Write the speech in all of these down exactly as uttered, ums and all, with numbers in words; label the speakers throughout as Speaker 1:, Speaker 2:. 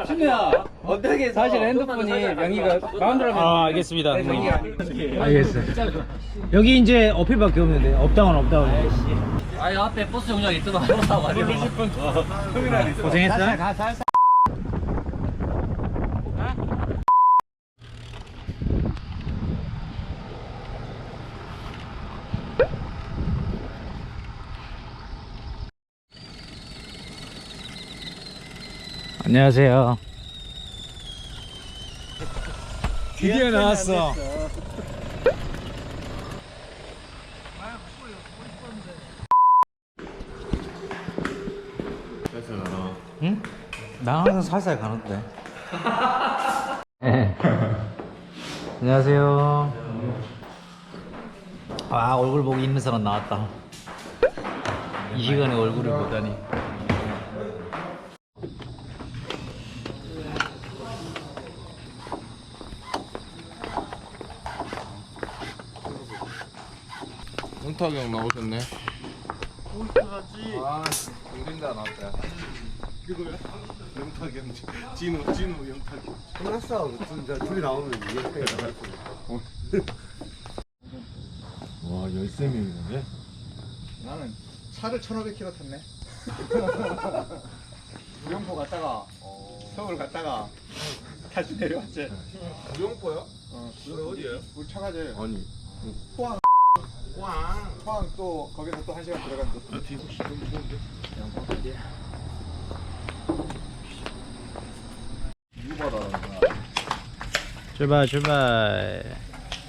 Speaker 1: 준우야 어떻게
Speaker 2: 사실 핸드폰이 명의가 마음대로 하면
Speaker 3: 아, 알겠습니다.
Speaker 2: 알겠어요. 여기 이제 어필밖에 없는데 업다운 업다운.
Speaker 1: 아니 앞에 버스 정류장에 있더만 버스 타고 가려고
Speaker 2: 고생했어. 안녕하세요. 드디어 나왔어. 응? 나 항상 살살 가는데. 네. 안녕하세요. 아, 얼굴 보고 있는 사람 나왔다. 이 시간에 얼굴을 보다니.
Speaker 4: 영탁이 형 나오셨네. 아, 동생다 나왔다. 누구야? 영탁이 형, 진우, 진우, 영탁이.
Speaker 5: 끝났어. 진짜 둘이 나오면 이렇게 나갈 거야.
Speaker 4: 와, 열세 명이네.
Speaker 5: 나는 차를 천오백 킬로미터 탔네. 무용포 갔다가 서울 갔다가 다시 내려왔지.
Speaker 4: 무용포요?
Speaker 5: 어,
Speaker 4: 그래, 어디예요?
Speaker 5: 우리 차가지.
Speaker 4: 아니,
Speaker 5: 포항.
Speaker 4: 꽝.
Speaker 5: 포항 또 거기서 또 한 시간 들어간 또.
Speaker 4: 나 뒤에 혹시 너무 무서운데? 누구 받아라는 거야?
Speaker 2: 출발 출발.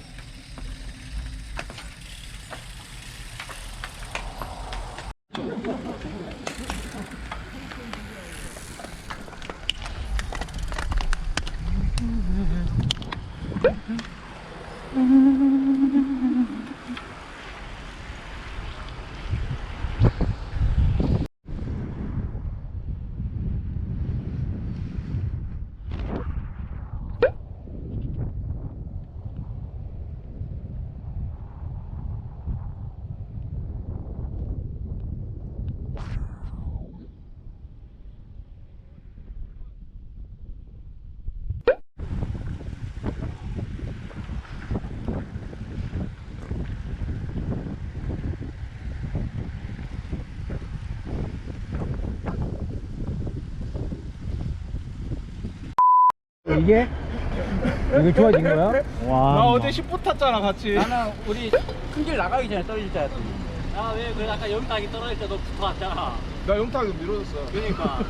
Speaker 2: 이게? 이거 좋아진 거야? 와.
Speaker 4: 나 어제 십 분 탔잖아, 같이.
Speaker 1: 나는 우리 큰 길 나가기 전에 떨어질 줄 알았더니 아왜 그 아까 영탁이 떨어질 때 너 붙어왔잖아.
Speaker 4: 나 영탁이 밀어줬어.
Speaker 1: 그러니까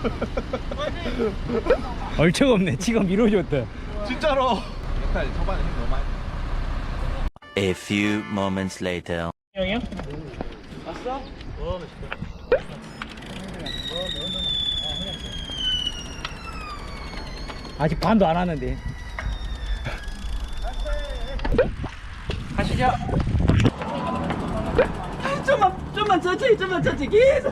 Speaker 2: 얼척 없네. 지가 밀어줬대.
Speaker 4: 진짜로. 영탁이 초반에 힘 너무 많이.
Speaker 6: A few moments later.
Speaker 2: 형이요?
Speaker 1: 봤어?
Speaker 2: 아직 반도 안 왔는데.
Speaker 1: 가시죠. 좀만 좀만 천천히 좀만 천천히 계속.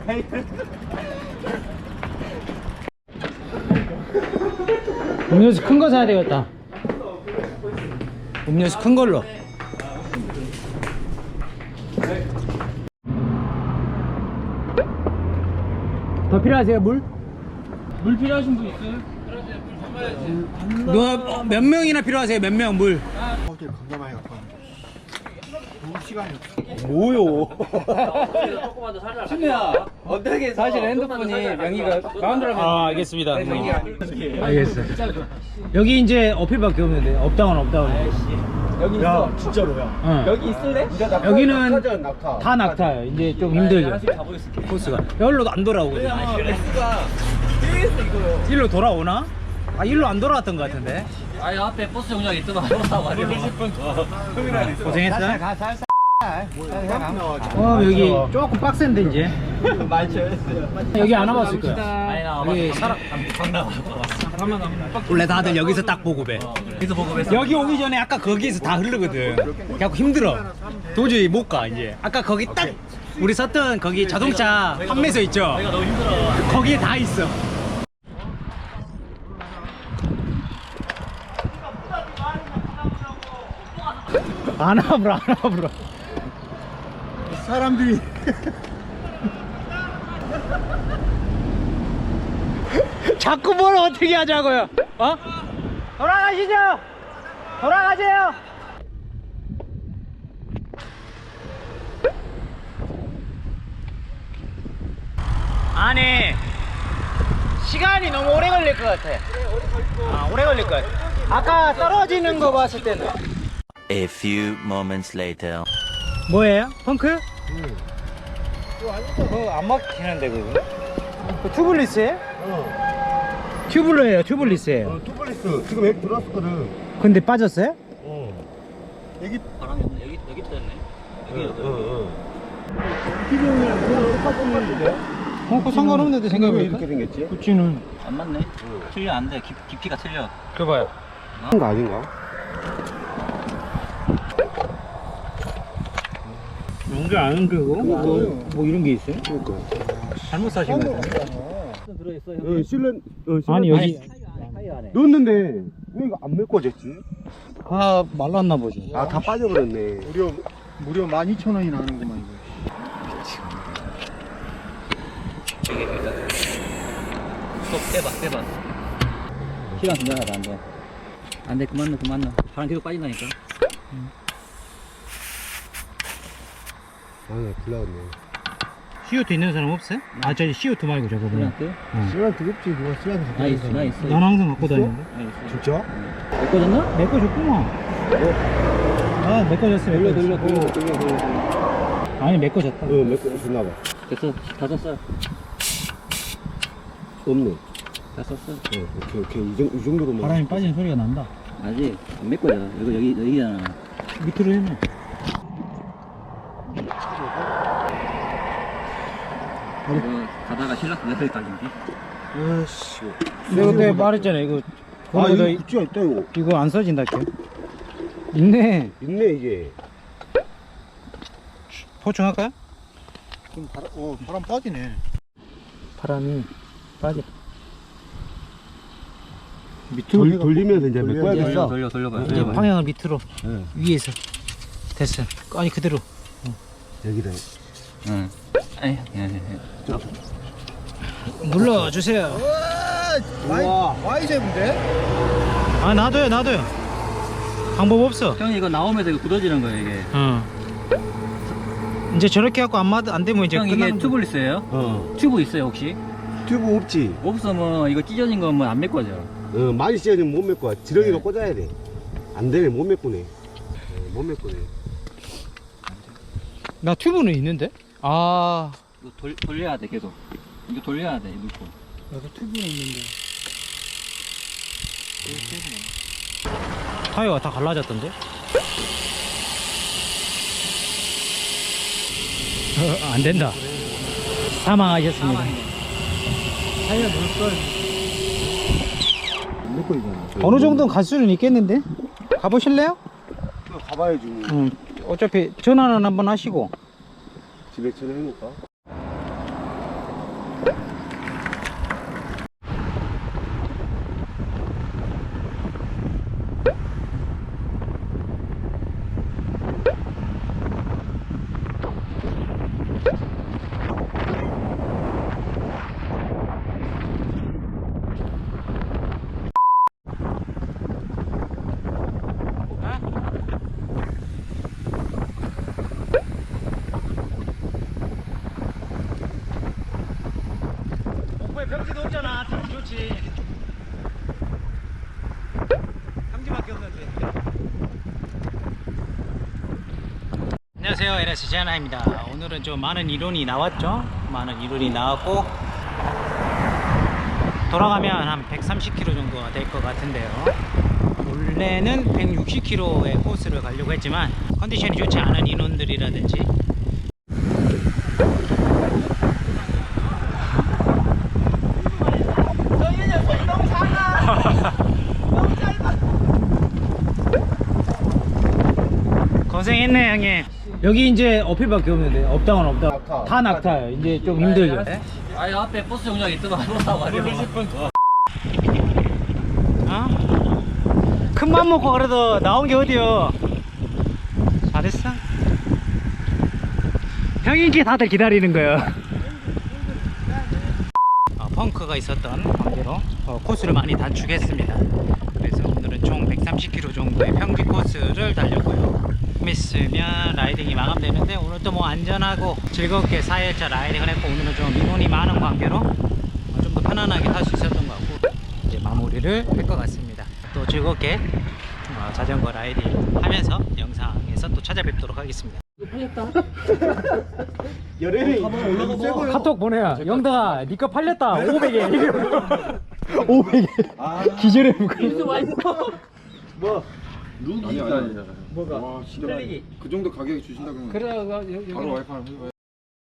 Speaker 2: 음료수 큰 거 사야 되겠다. 음료수 큰 걸로. 더 필요하세요, 물?
Speaker 1: 물 필요하신 분 있어요?
Speaker 2: 누가 몇 명이나 필요하세요? 몇 명 물?
Speaker 5: 어제 겁나 많이 갖고 왔는데. 너무 시간이 없어.
Speaker 2: 뭐요?
Speaker 1: 조금만 더 살려라. 준우야 어떻게
Speaker 2: 사실 핸드폰이 명의가 마음대로 하면.
Speaker 3: 아, 알겠습니다.
Speaker 2: 알겠어요. 여기 이제 어필밖에 없는데 업다운 업다운.
Speaker 1: 여기
Speaker 5: 야,
Speaker 1: 있어.
Speaker 5: 진짜로야.
Speaker 2: 응.
Speaker 1: 여기 있을래?
Speaker 2: 여기는
Speaker 5: 낙타전 낙타.
Speaker 2: 다 낙타예요. 이제 좀 힘들죠.
Speaker 1: 하나씩 가보겠을게.
Speaker 2: 코스가 여기로도 안 돌아오거든요.
Speaker 1: 레스가 계속 이거요.
Speaker 2: 일로 돌아오나? 아, 일로 안 돌아왔던 것 같은데.
Speaker 1: 아니 앞에 버스 정류장에 있더만 버스 타고 가려고
Speaker 2: 고생했어. 어, 여기 조금 빡센데 이제. 여기 안 와봤을 거야.
Speaker 1: 아니 나
Speaker 2: 여기 사람 원래 다들 여기서 딱 보고배.
Speaker 1: 여기서 보고 뵀어.
Speaker 2: 여기 오기 전에 아까 거기에서 다 흐르거든. 그래갖고 힘들어. 도저히 못 가 이제. 아까 거기 딱 우리 섰던 거기 자동차 판매소 있죠.
Speaker 1: 내가 너무 힘들어.
Speaker 2: 거기에 다 있어. 안 와불어 안 와불어.
Speaker 5: 사람들이
Speaker 2: 자꾸 뭘 어떻게 하자고요? 어? 돌아가시죠. 돌아가세요. 아니 시간이 너무 오래 걸릴 것 같아. 아, 오래 걸릴 것 같아. 아까 떨어지는 거 봤을 때는
Speaker 6: A few moments later.
Speaker 2: 뭐예요? 펑크? 응. 그거 안 막히는데 그거? 그 튜블리스에?
Speaker 5: 어.
Speaker 2: 튜블러예요, 튜블리스예요.
Speaker 5: 어, 투블리스 지금 액 들어왔거든.
Speaker 2: 근데 빠졌어요?
Speaker 5: 어. 여기
Speaker 1: 바람이 없네. 여기 여기 떴네. 여기
Speaker 5: 어, 어, 어. 기존이랑 그냥 똑같은데.
Speaker 2: 어, 그 상관없는데
Speaker 5: 왜
Speaker 2: 생각해보니까.
Speaker 5: 이렇게 생겼지?
Speaker 2: 그치는.
Speaker 1: 안 맞네. 틀려 안 돼. 깊, 깊이가 틀려.
Speaker 2: 그거 봐요.
Speaker 5: 한 거 아닌가?
Speaker 2: 뭔가 아는 그거? 뭐, 뭐 이런 게 있어요?
Speaker 5: 그러니까.
Speaker 2: 잘못 사신 거예요?
Speaker 1: 들어있어.
Speaker 5: 어, 실내, 어, 실내.
Speaker 2: 아니 여기
Speaker 1: 타이어 안에.
Speaker 5: 넣었는데 왜 이거 안 메꿔졌지?
Speaker 2: 아 말랐나 보지.
Speaker 5: 아, 다 빠져버렸네.
Speaker 4: 무려 무려 만 이천 원이 나는구만 이거.
Speaker 1: 스톱 빼봐 빼봐. 시간 지나가다 안 돼. 안 돼. 그만 넣어 그만 넣어. 바람 계속 빠진다니까.
Speaker 5: 아, 나 불나왔네.
Speaker 2: 씨오투 있는 사람 없어요? 아 저기 씨오투 말고 저거
Speaker 1: 그냥
Speaker 2: 그냥.
Speaker 1: 그.
Speaker 5: 시간 두껍지, 누가 시간 두껍지.
Speaker 1: 나 있어 나 있어.
Speaker 2: 난 항상 갖고 다니는데.
Speaker 1: 나 있어.
Speaker 5: 진짜?
Speaker 1: 메꿔졌나?
Speaker 2: 메꿔 줬구만. 아 메꿔 줬어.
Speaker 1: 돌려
Speaker 2: 메꿔
Speaker 1: 돌려
Speaker 2: 줬어.
Speaker 1: 돌려 돌려 돌려.
Speaker 2: 아니 메꿔 줬다.
Speaker 5: 어, 메꿔줬나봐.
Speaker 1: 됐어. 다 썼어.
Speaker 5: 없네.
Speaker 1: 다 썼어.
Speaker 5: 어, 오케이, 오케이. 이, 정, 이 정도로만.
Speaker 2: 바람이 빠지는 소리가 난다.
Speaker 1: 아직 안 메꿔져. 이거 여기 여기잖아.
Speaker 2: 밑으로 해놔.
Speaker 1: 이거 가다가 신랑 내릴 각인데.
Speaker 5: 아씨.
Speaker 2: 내가 그때 말했잖아 이거.
Speaker 5: 아,
Speaker 2: 그거보다
Speaker 5: 이거 굿즈가 있다, 이거.
Speaker 2: 이거 안 써진다 게. 있네.
Speaker 5: 있네, 이게.
Speaker 2: 포충할까요?
Speaker 5: 좀 바람, 어, 바람 빠지네.
Speaker 2: 바람이 빠져.
Speaker 5: 돌, 돌리면서 이제 메꿔야겠어.
Speaker 1: 돌려 돌려 돌려봐.
Speaker 2: 이제 방향을 밑으로
Speaker 5: 네.
Speaker 2: 위에서 됐어. 아니 그대로.
Speaker 5: 여기다.
Speaker 1: 응. 에이, 예, 예.
Speaker 2: 눌러주세요.
Speaker 5: 와.
Speaker 4: 와이제인데?
Speaker 2: 아 놔둬요 놔둬요. 방법 없어.
Speaker 1: 형 이거 나오면서 이거 굳어지는 거예요 이게.
Speaker 2: 어. 이제 저렇게 갖고 안 맞, 안 되면 이제
Speaker 1: 형 이게
Speaker 2: 끝나는
Speaker 1: 튜블리스예요?
Speaker 5: 어.
Speaker 1: 튜브 있어요 혹시?
Speaker 5: 튜브 없지?
Speaker 1: 없으면 이거 찢어진 거면 안 메꿔져.
Speaker 5: 어, 많이 씌어지면 못 메꿔. 지렁이로 꽂아야 돼. 안 되네, 못 메꾸네. 어, 못 메꾸네.
Speaker 2: 나 튜브는 있는데? 아.
Speaker 1: 이거 돌, 돌려야 돼 계속. 이거 돌려야 돼 넣고.
Speaker 2: 나도 튜브는 있는데. 타이어가 다 갈라졌던데? 어, 안 된다. 사망하셨습니다.
Speaker 5: 타이어 넣을걸. 안 메꿔이잖아.
Speaker 2: 어느 정도는 갈 수는 있겠는데? 가보실래요?
Speaker 5: 가봐야지.
Speaker 2: 응. 어차피 전화는 한번 하시고.
Speaker 5: 집에 전화해놓을까?
Speaker 2: 목포에 병지도 없잖아. 참 좋지. 평지밖에 없는데. 안녕하세요, 엘에스 제하나입니다. 오늘은 좀 많은 이론이 나왔죠. 많은 이론이 나왔고 돌아가면 한 백삼십 킬로미터 정도가 될 것 같은데요. 원래는 백육십 킬로미터의 코스를 가려고 했지만 컨디션이 좋지 않은 인원들이라든지 고생했네 형님. 여기 이제 어필밖에 없는데 업다운 업다운
Speaker 5: 낙타.
Speaker 2: 다 낙타예요. 이제 좀 힘들죠.
Speaker 1: 아니 앞에 버스 정류장 있더만 버스 타고 가려.
Speaker 2: 어? 큰맘 먹고 그래도 나온 게 어디요. 잘했어. 형인기 다들 기다리는 거예요. 아, 펑크가 있었던 관계로 어, 코스를 많이 단축했습니다. 그래서 오늘은 총 백삼십 킬로미터 정도의 평지 코스를 달렸고요. 좀 있으면 라이딩이 마감되는데 오늘 또 뭐 안전하고 즐겁게 사 일차 라이딩을 했고, 오늘은 좀 인원이 많은 관계로 좀 더 편안하게 탈 수 있었던 것 같고 이제 마무리를 할 것 같습니다. 또 즐겁게 어, 자전거 라이딩 하면서 영상에서 또 찾아뵙도록 하겠습니다.
Speaker 5: 열애를
Speaker 2: 카톡 보내야 영덕아 니꺼 팔렸다 오백에 오백에 기절해
Speaker 5: 뭐
Speaker 4: 아니 아니 뭐가 와 진짜 그 정도 가격에 주신다면
Speaker 2: 그래
Speaker 4: 바로 와이프 하나